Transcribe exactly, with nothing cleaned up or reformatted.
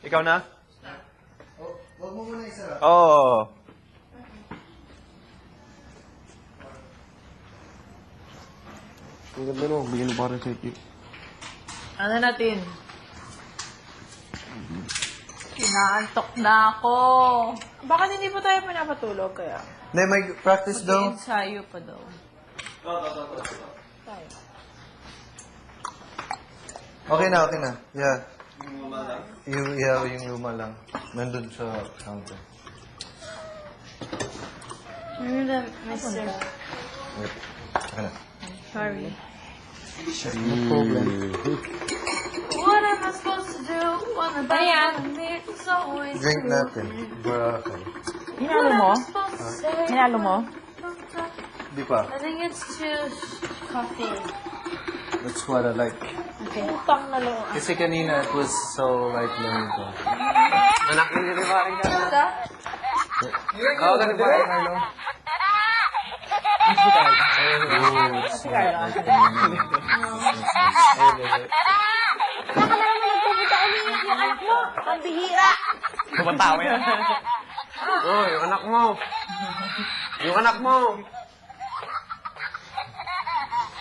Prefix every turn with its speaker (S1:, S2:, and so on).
S1: Ikaw na?
S2: Huwag mo muna isa.
S1: Oo. Oh.
S3: Ang ganda no, bigyan mo para sa tip.
S4: Ano natin? Inaantok na ako. Bakit hindi pa tayo pinapatulog kaya?
S2: Hindi, may practice daw.
S4: Ensayo pa daw. Tayo.
S2: Okay na, okay na. Yeah. Yung yeah, yung luma lang. Nandun sa counter.
S5: You're the mister.
S2: Wait. Okay na.
S5: Sorry.
S2: No problem.
S5: What am I supposed to do when the bottom is always
S2: Drink natin. Baraka.
S4: Hinalo mo? Hinalo mo?
S2: Di pa.
S5: I think it's too coffee.
S2: That's what I like.
S5: Okay.
S4: Utang na lo.
S2: Kasi kanina, it was so like lento.
S3: Anak mo nila parang ka.
S2: Oo, ganun ba rin, Carlo?
S4: Si Carla.
S5: Saka na naman nagpupunta ulit yung anak mo. Pambihira.
S1: Kumatawa yan.
S3: Oh, yung anak mo. Yung anak mo.